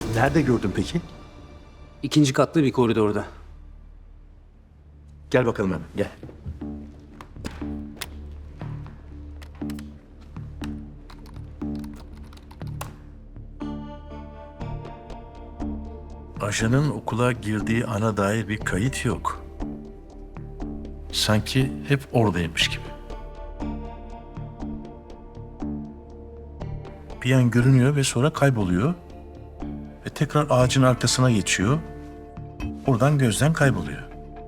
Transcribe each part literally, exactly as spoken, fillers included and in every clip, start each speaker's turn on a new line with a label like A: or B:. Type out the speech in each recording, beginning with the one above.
A: Nerede gördün peki?
B: İkinci katlı bir koridorda.
A: Gel bakalım hemen, gel.
C: Ajanın okula girdiği ana dair bir kayıt yok. Sanki hep oradaymış gibi. Bir an görünüyor ve sonra kayboluyor. Ve tekrar ağacın arkasına geçiyor. Oradan gözden kayboluyor.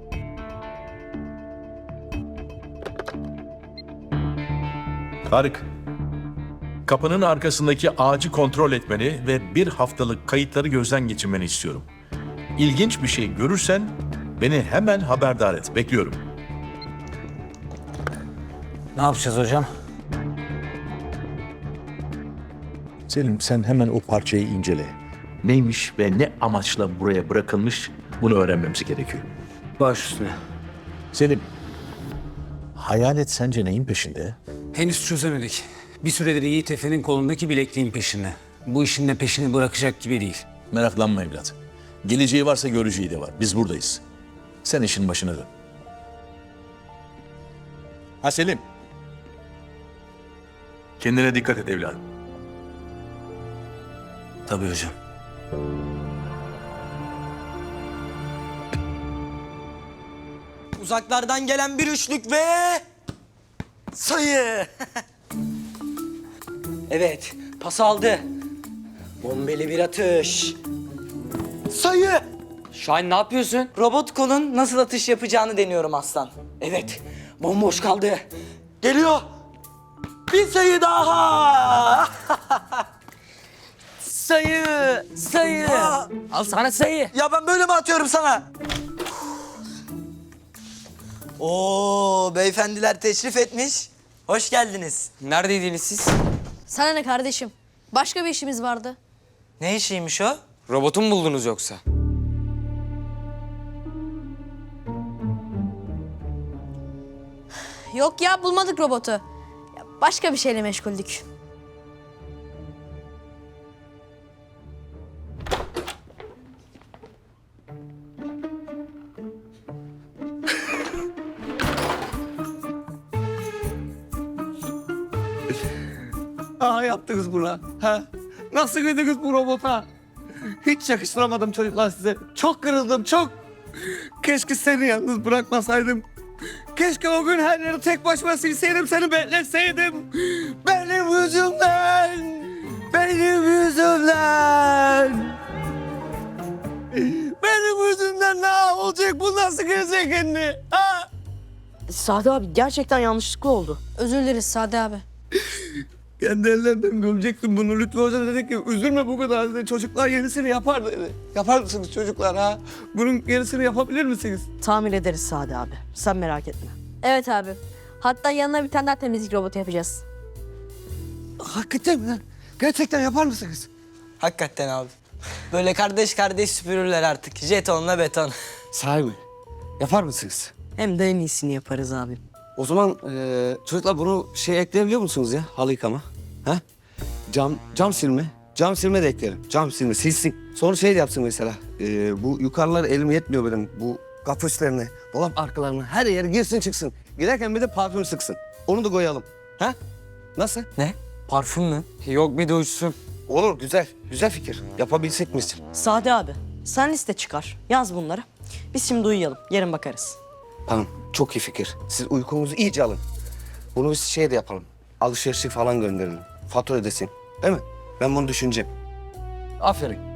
C: Tarık, kapının arkasındaki ağacı kontrol etmeni ve bir haftalık kayıtları gözden geçirmeni istiyorum. İlginç bir şey görürsen beni hemen haberdar et. Bekliyorum.
B: Ne yapacağız hocam?
A: Selim, sen hemen o parçayı incele. Neymiş ve ne amaçla buraya bırakılmış bunu öğrenmemiz gerekiyor.
B: Baş üstüne.
A: Selim, hayalet sence neyin peşinde?
B: Henüz çözemedik. Bir süredir Yiğit Efe'nin kolundaki bilekliğin peşinde. Bu işin de peşini bırakacak gibi değil.
A: Meraklanma evlat. Geleceği varsa göreceği de var. Biz buradayız. Sen işin başına dön. Ha Selim. Kendine dikkat et evladım.
B: Tabii hocam.
D: Uzaklardan gelen bir üçlük ve sayı. Evet, pas aldı. Bombeli bir atış. Sayı.
E: Şahin ne yapıyorsun?
D: Robot kolun nasıl atış yapacağını deniyorum aslan. Evet, bomboş kaldı. Geliyor. Bir sayı daha.
E: Sayı, sayı.
D: Aa!
E: Al sana sayı.
D: Ya ben böyle mi atıyorum sana? Oo, beyefendiler teşrif etmiş. Hoş geldiniz.
E: Neredeydiniz siz?
F: Sana ne kardeşim? Başka bir işimiz vardı.
D: Ne işiymiş o?
E: Robotu mu buldunuz yoksa?
F: Yok ya bulmadık robotu. Ya başka bir şeyle meşguldük.
G: Aha yaptınız buna. Ha? Nasıl girdiniz bu robota? Hiç yakıştıramadım çocuklar size. Çok kırıldım, çok. Keşke seni yalnız bırakmasaydım. Keşke o gün her yeri tek başıma silseydim, seni bekletseydim. Benim yüzümden. Benim yüzümden. Benim yüzümden ne olacak? Bu nasıl gezegenli? Ha?
H: Sadi abi gerçekten yanlışlıkla oldu.
F: Özür dileriz Sade abi.
G: Kendi ellerimden gömecektim bunu. Lütfü Hoca dedi ki üzülme bu kadar dedi. Çocuklar yenisini yapar dedi. Yapar mısınız çocuklar ha? Bunun yenisini yapabilir misiniz?
H: Tamir ederiz Sadi abi. Sen merak etme.
F: Evet abi. Hatta yanına bir tane daha temizlik robotu yapacağız.
G: Hakikaten mi lan? Gerçekten yapar mısınız?
D: Hakikaten abi. Böyle kardeş kardeş süpürürler artık. Jetonla beton.
G: Sahi mi? Yapar mısınız?
H: Hem de en iyisini yaparız abi.
G: O zaman eee, çocuklar bunu şey ekleyebiliyor musunuz ya? Halı yıkama. Ha? Cam, cam silme. Cam silme de eklerim. Cam silme silsin. Sonra şey de yapsın mesela. eee, bu yukarılar elim yetmiyor benim. Bu kapı üstlerine, dolap arkalarına her yere girsin çıksın. Giderken bir de parfüm sıksın. Onu da koyalım. Ha? Nasıl?
E: Ne? Parfüm mü? Yok bir de uçsun.
G: Olur güzel. Güzel fikir. Yapabilsek misin?
H: Sadi abi sen liste çıkar. Yaz bunları. Biz şimdi uyuyalım. Yarın bakarız.
G: Tamam. Çok iyi fikir. Siz uykunuzu iyice alın. Bunu biz şey de yapalım. Alışverişi falan gönderelim. Fatura ödesin. Değil mi? Ben bunu düşüneceğim. Aferin.